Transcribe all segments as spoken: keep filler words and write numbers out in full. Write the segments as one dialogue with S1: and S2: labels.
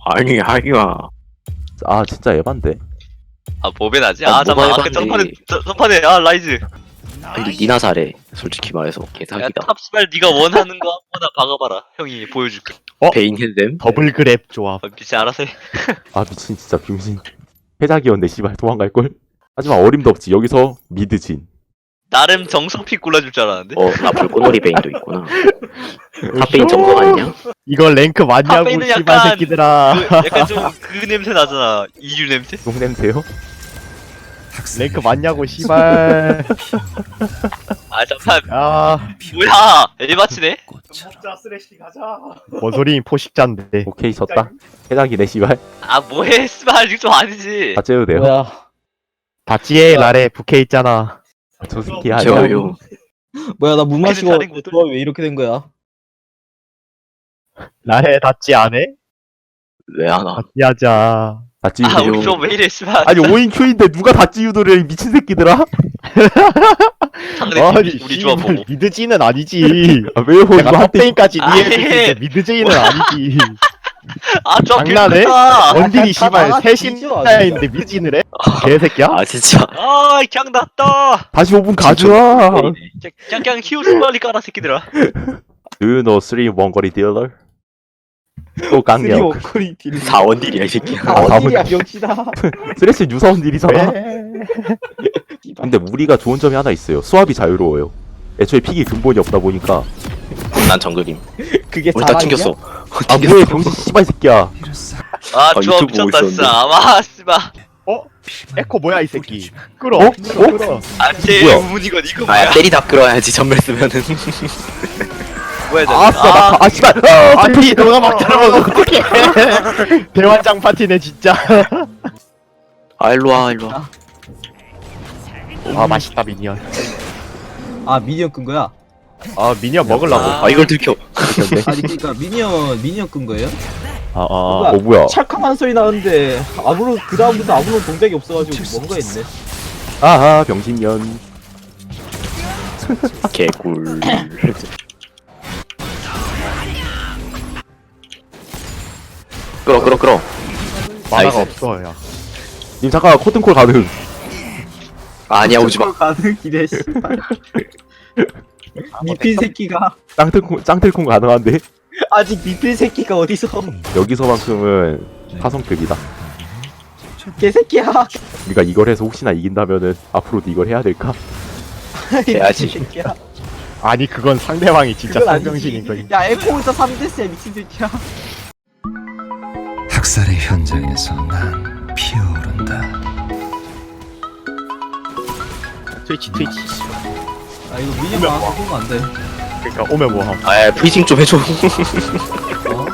S1: 아니 아니야.
S2: 아 진짜 에반데.
S3: 아 모베나지?
S1: 아,
S3: 아 잠깐만
S1: 뭐가
S3: 아까
S1: 해봤는데.
S3: 전판에 저- 전판에 아 라이즈
S1: 아니 니나 잘해. 솔직히 말해서
S3: 야
S1: 개사기다.
S3: 탑스발 네가 원하는 거 아무거나 박아봐라 형이 보여줄게
S1: 베인 헤드댐.
S4: 더블 그랩 조합.
S3: 아, 미치 알아서 해
S2: 아 미친 진짜 병신. 해작이었네 씨발 도망갈걸. 하지만 어림도 없지. 여기서 미드진.
S3: 나름 정성픽 골라줄 줄 알았는데
S1: 어나 불꽃놀이 베인도 있구나. 탑베인 정석 아니냐?
S4: 이걸 랭크 맞냐고
S3: 탑베인은
S4: 씨발
S3: 약간
S4: 새끼들아.
S3: 그, 약간 좀 그 냄새 나잖아 이유 냄새?
S2: 똥 냄새요?
S4: 랭크 맞냐고 씨발.
S3: 아 잠깐
S4: 아,
S3: 뭐야 에바치네?
S5: 진짜 쓰레쉬 가자.
S4: 뭔 소리 포식자인데.
S2: 오케이 졌다. 해작이네 씨발.
S3: 아 뭐해 스발 이거 좀 아니지
S2: 다 째도 돼요?
S6: 뭐야
S4: 다찌에 날에 부캐 있잖아.
S2: 저 새끼 아니야.
S1: 저요.
S6: 뭐야 나 물 마시고
S3: 다른 것들.
S6: 조합이 왜 이렇게 된 거야?
S4: 날에 다찌 안 해?
S1: 왜 하나?
S4: 다찌 하자.
S2: 다
S3: 아
S2: 찌우세요.
S3: 우리 좀 왜 이래 스발
S2: 아니 오인 큐인데 누가 다 찌우더래 이 미친 새끼들아.
S3: 상대
S4: 아니
S3: 우리, 우리 조합
S4: 씨발,
S3: 보고
S4: 미드지는 아니지.
S2: 아 왜요? 이거
S4: 내가
S2: 한때
S4: 탑베인까지
S3: 아니.
S4: 이해했는데 미드지는 아니지.
S3: 아좀
S4: 장난해?
S3: 비슷하다
S4: 원딜이
S6: 다
S4: 씨발
S6: 나가
S4: 셋인인데 미드진을 해? 개새끼야?
S1: 아 진짜.
S3: 아 그냥 났다
S2: 다시 오 분 가져와.
S1: 베인이네.
S3: 그냥 그냥 키우스 빨리 깔아 새끼들아
S2: Do you know three 원거리 딜러? 또 강력.
S6: 워커리 딜
S1: 사원딜이야 이 새끼야.
S2: 아,
S6: 사원딜이야 병치다.
S2: 스레스 유사원 딜이잖아.
S4: 왜?
S2: 근데 우리가 좋은 점이 하나 있어요. 수압이 자유로워요. 애초에 픽이 근본이 없다 보니까.
S1: 난 정글임.
S6: 그게
S1: 우리 다
S6: 자랑이야?
S1: 튕겼어.
S2: 아 뭐해 병신 씨발 새끼야.
S3: 아
S1: 아,
S3: 조합
S1: 유튜브 보고
S3: 미쳤다 진짜
S1: 있었는데.
S3: 아마 씨발
S4: 어? 에코 뭐야 이 새끼? 끌어.
S2: 어?
S4: 끌어. 끌어.
S3: 아 제일
S2: 뭐야?
S3: 우문이건 이거
S1: 아야
S3: 뭐야
S1: 때리다 끌어야지 전멸 쓰면은.
S3: 뭐야 저거.
S2: 아싸 나 아, 아 씨발. 아,
S4: 아니 너가 막 들어가면 어떡해. 대환장 파티네 진짜.
S1: 아 일로와 일로와.
S4: 아 맛있다 미니언.
S6: 아 미니언 끈 거야?
S4: 아 미니언 먹으려고.
S1: 아 이걸 들켜.
S6: 아니 그니까 미니언 미니언 끈 거예요?
S4: 아, 아,
S2: 어 뭐야?
S6: 찰칵한 소리 나는데 아무런 그 다음부터 아무런 동작이 없어가지고 뭔가 있네.
S2: 아하 병신년.
S1: 개꿀. 끌어 끌어 끌어.
S4: 만화가
S1: 나이스.
S4: 없어 야.
S2: 님 잠깐 코튼콜 가능.
S1: 아니야 오지 마.
S6: 가는 길에 씨발. 미필 새끼가
S2: 짱틀콩 짱틀콩 가능한데
S6: 아직 미필 새끼가 어디서
S2: 여기서만큼은 화성급이다.
S6: 개새끼야.
S2: 우리가 이걸 해서 혹시나 이긴다면은 앞으로도 이걸 해야 될까?
S1: 해야지.
S6: 미친 새끼야.
S4: 아니 그건 상대방이 진짜
S6: 그건 아니지.
S4: 상병신인 거지.
S6: 야 에코에서 삼 대스야 미친 새끼야.
S7: 학살의 현장에서 난 피어오른다.
S4: 트위치 트위치.
S6: 아 이거 미니언 나와서 보면 안 돼.
S4: 그러니까 오면 뭐함.
S1: 아 브리징 좀 해줘.
S6: 어?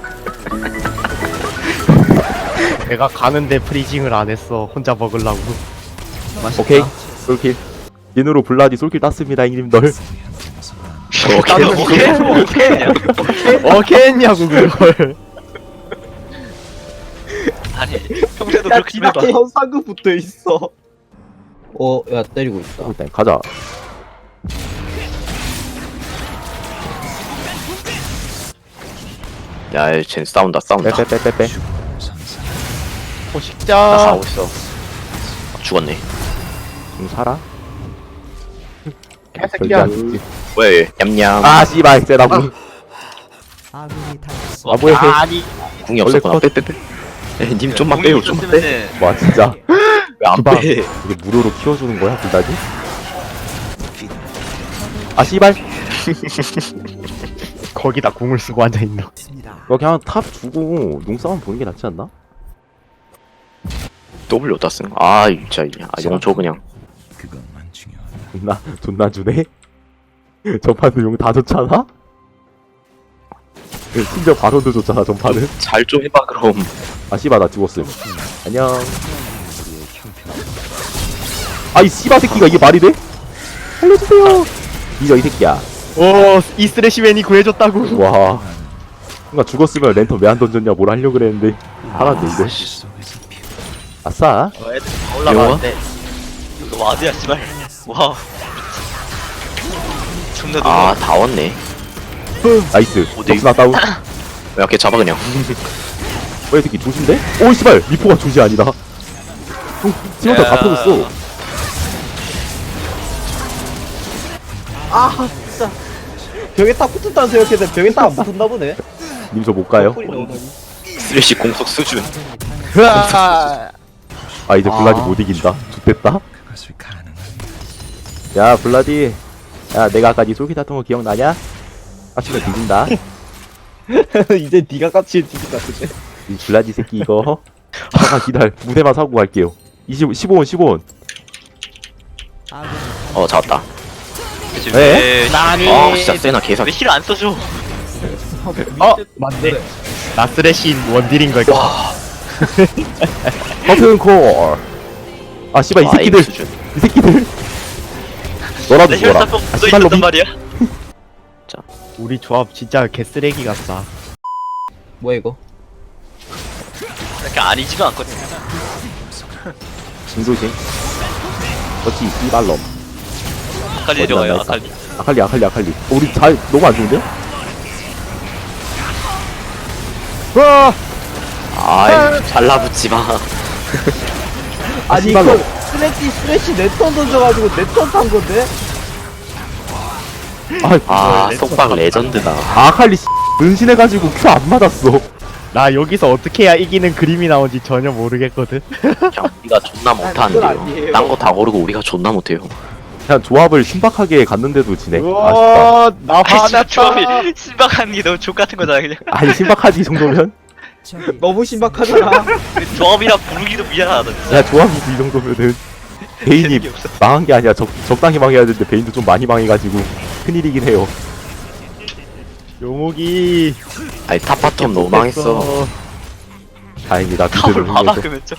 S4: 내가 가는데 프리징을 안 했어. 혼자 먹으려고.
S6: 맛있다.
S2: 오케이 솔킬. 인으로 블라디 솔킬 땄습니다 형님들.
S1: 오케이
S3: 오케이 오케이
S4: 어케 했냐고 그걸.
S3: 아니 평소에도
S6: 야
S3: 그렇게 좀 해봐
S6: 디나케 현상금 붙어 있어. 어, 야 때리고 있다.
S2: 일단 가자.
S1: 야쟤 싸운다 싸운다.
S2: 빼빼빼빼빼.
S1: 나
S4: 포식자.
S1: 가고 있어. 아, 죽었네.
S2: 좀 살아. 절대
S4: 개새끼야.
S2: 안 죽지.
S1: 왜 냠냠.
S2: 아 씨발 세다고. 아 뭐야 걔.
S4: 아니.
S1: 궁이 없었구나.
S2: 원래
S1: 빼빼빼. 님 좀만 빼요 좀만 빼.
S2: 와 진짜
S1: 왜 안
S2: 기방.
S1: 빼?
S2: 이게 무료로 키워주는 거야 블라디? 아 씨발.
S4: 거기다 궁을 쓰고 앉아 있노.
S2: 너 그냥 탑 주고 농싸움 보는 게 낫지 않나?
S1: W 어디다 쓴? 아 진짜 아 영초 그냥.
S7: 그것만 중요하다.
S2: 존나 존나 주네. 전판도 용 다 줬잖아. 심지어 바론도 줬잖아 전판은.
S1: 잘 좀 해봐 그럼.
S2: 아 씨발 나 죽었음. 안녕. 아이 씨발 새끼가 이게 말이 돼? 살려주세요. 이저 이 새끼야.
S4: 오 이스레시맨이 구해줬다고.
S2: 와. 뭔가 죽었으면 랜턴 왜 안 던졌냐 뭘 하려고 그랬는데 하나도 이거.
S7: 속에서 피어.
S2: 아싸.
S3: 어, 애들 다 올라가는데 이거 와드야 씨발 와 존나
S1: 아 다 왔네.
S2: 나이스.
S1: 어디?
S2: 덕스나 다운.
S1: 야 걔 잡아 그냥.
S2: 이 새끼 조심돼? 오 씨발 미포가 조지 아니다. 지금부터 다
S3: 야.
S2: 터졌어.
S6: 아 진짜 벽에 딱 붙었다는 생각했는데 벽에 딱 안 붙었나 보네.
S2: 님 저 못 가요?
S6: 뿔이 너무 많이.
S3: 쓰레쉬 공속 수준.
S4: 으아.
S2: 아 이제 블라디
S6: 아.
S2: 못 이긴다. 좋됐다.
S7: 그것을 가능한
S2: 야 블라디. 야 내가 아까 니 솔깃 했던 거 기억나냐? 아침에 뒤진다.
S6: 이제 네가 같이 뒤질 것 같은데.
S2: 이 블라디 새끼 이거. 잠깐 기다려. 무대만 사고 갈게요. 이십 십오 원 십오 원.
S3: 어 잡았다.
S2: 에?
S3: 왜?
S4: 나니.
S3: 아 진짜 세나 개사. 왜 힐 안 써줘?
S4: 어 맞네. 나스레신 원딜인 걸.
S2: 커튼 콜. 아 씨발 이
S3: 와,
S2: 새끼들.
S3: 에임 수준.
S2: 이 새끼들. 너라도
S3: 내
S2: 죽어라.
S3: 혈사병
S2: 아
S3: 묻어
S2: 씨발
S3: 있었단
S2: 로비.
S3: 말이야.
S4: 우리 조합 진짜 개쓰레기 같다.
S6: 뭐야 이거?
S3: 이렇게 아니지가 않거든.
S2: 진도신. 그렇지 씨발놈.
S3: 아칼리
S2: 어디
S3: 내려가요.
S2: 만나
S3: 아칼리.
S2: 아칼리 아칼리 아칼리. 어, 우리 잘 너무 안 좋은데요? 와.
S3: 아이 잘라붙지 마.
S6: 아니
S2: 씨발로.
S6: 이거 스레시 스레시 네턴 던져가지고 네턴 탄 건데?
S2: 아,
S3: 아 속박 레전드다.
S2: 아칼리 씨, 은신해가지고 큐 안 맞았어.
S4: 나 여기서 어떻게 해야 이기는 그림이 나온지 전혀 모르겠거든.
S3: 그냥 우리가 존나
S6: 그건
S3: 못하는데요.
S6: 아니에요.
S3: 딴 거 다 고르고 우리가 존나 못해요.
S2: 그냥 조합을 신박하게 갔는데도 지네. 아쉽다.
S4: 우와 나
S3: 아니
S4: 화났다.
S3: 조합이 신박한 게 너무 족 같은 거잖아 그냥.
S2: 아니 신박하지 이 정도면?
S6: 너무 신박하잖아.
S3: 조합이라 부르기도 미안하다 진짜.
S2: 야 조합이 이 정도면은 베인이
S3: 재능이 없어.
S2: 망한 게 아니야. 적, 적당히 망해야 되는데 베인도 좀 많이 망해가지고 큰일이긴 해요.
S4: 요목이
S3: 아니 탑바텀 너무 망했어.
S2: 다행이다.
S3: 탑을
S2: 미드는
S3: 봐봐
S2: 흥해서.
S3: 그러면 좀.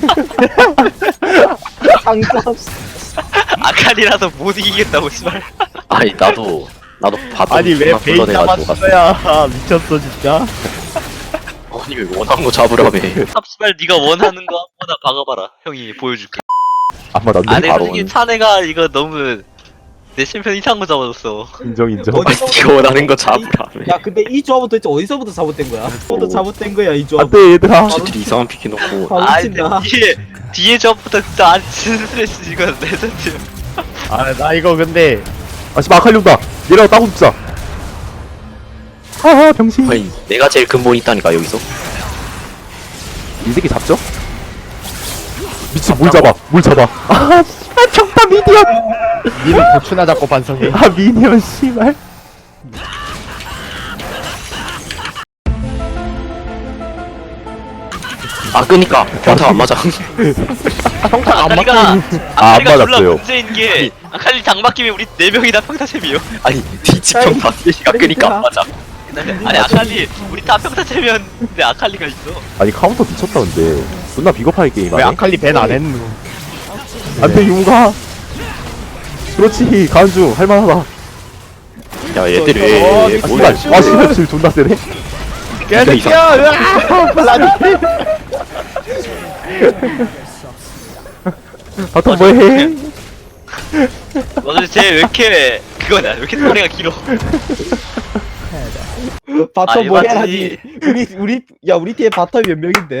S6: 장점.
S3: 아칼리라서 못 이기겠다고 씨발. 아니 나도 나도 봐도
S4: 아니 왜
S3: 존나
S4: 베인
S3: 불러내가지고 갔어.
S4: 잡았어야 미쳤어 진짜.
S3: 아니 왜 원하는 거 잡으라며. 탑 씨발 네가 원하는 거 아무거나 박아봐라. 형이 보여줄게.
S2: 안 맞았네.
S3: 아 내가
S2: 바로
S3: 솔직히 차내가 이거 너무 내 챔피언 이상한 거 잡아줬어.
S2: 인정 인정.
S6: 어디-
S3: 아니 네가 원하는 거 잡으라며.
S6: 야 근데 이 조합은 도대체 어디서부터 잘못된 거야? 어디서부터 잘못된 거야 이 조합?
S2: 안돼 얘들아.
S3: 쥐들이 이상한 피키 놓고.
S6: 바로
S3: 아
S6: 친다.
S3: 근데 뒤에 뒤에 저부터 진짜 안 치는 스트레스 이거 레전드.
S4: 아 나 이거 근데
S2: 아 씨발 아칼리 온다. 얘랑 따고 죽자. 하하 병신.
S3: 아니 내가 제일 근본 있다니까 여기서.
S2: 이 새끼 잡죠? 미친 뭘 잡아? 뭘 잡아? 아 씨발 정답 미디언.
S4: 니는 고추나 잡고 반성해.
S2: 아 미니언 씨발.
S3: 아 끄니까 평타 안 맞아.
S4: 평타 안
S3: 아칼리가
S4: 맞고.
S2: 아, 안
S3: 아칼리가 졸라
S2: 맞았어요.
S3: 문제인 게 아칼리 장바뀌면 우리 네 명이 다 평타챔이요. 아니 뒤치 평타 세시가 끄니까 안 맞아. 아니 아칼리 우리 다 평타챔이었는데 아칼리가 있어.
S2: 아니 카운터 미쳤다 근데. 존나 비겁하게
S4: 왜
S2: 게임하네.
S4: 아칼리 밴 안 했노?
S2: 안돼 용가. 그렇지 간중 할만하다.
S3: 야 얘들이
S4: 어,
S3: 왜
S2: 아
S3: 뭐야?
S2: 씨발 와 씨발 질 존나 세네.
S4: 개새끼야! 으아! 블라디.
S2: 바텀 뭐해?
S3: 너들 쟤왜 이렇게 그거냐? 왜 이렇게 소리가 길어?
S6: 바텀
S3: 아,
S6: 뭐
S3: 맞지.
S6: 해야지. 우리 우리 야 우리 팀에 바텀 몇 명인데?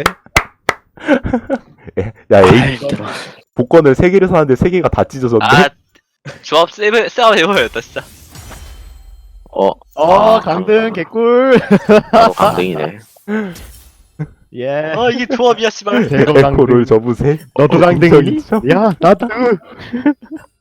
S2: 야 에이
S4: 아이고.
S2: 복권을 세 개를 사는데 세 개가 다 찢어졌네.
S3: 아 조합 세븐 싸움 해보였다 진짜. 어,
S4: 어
S3: 아,
S4: 강등 개꿀.
S3: 바로 강등이네.
S4: 예.
S3: 아 이게 조합이야 씨발.
S4: 대거
S2: 에코를
S4: 강등.
S2: 접으세.
S4: 너도
S2: 어,
S4: 강등이니?
S2: 인정, 인정.
S4: 야 나도.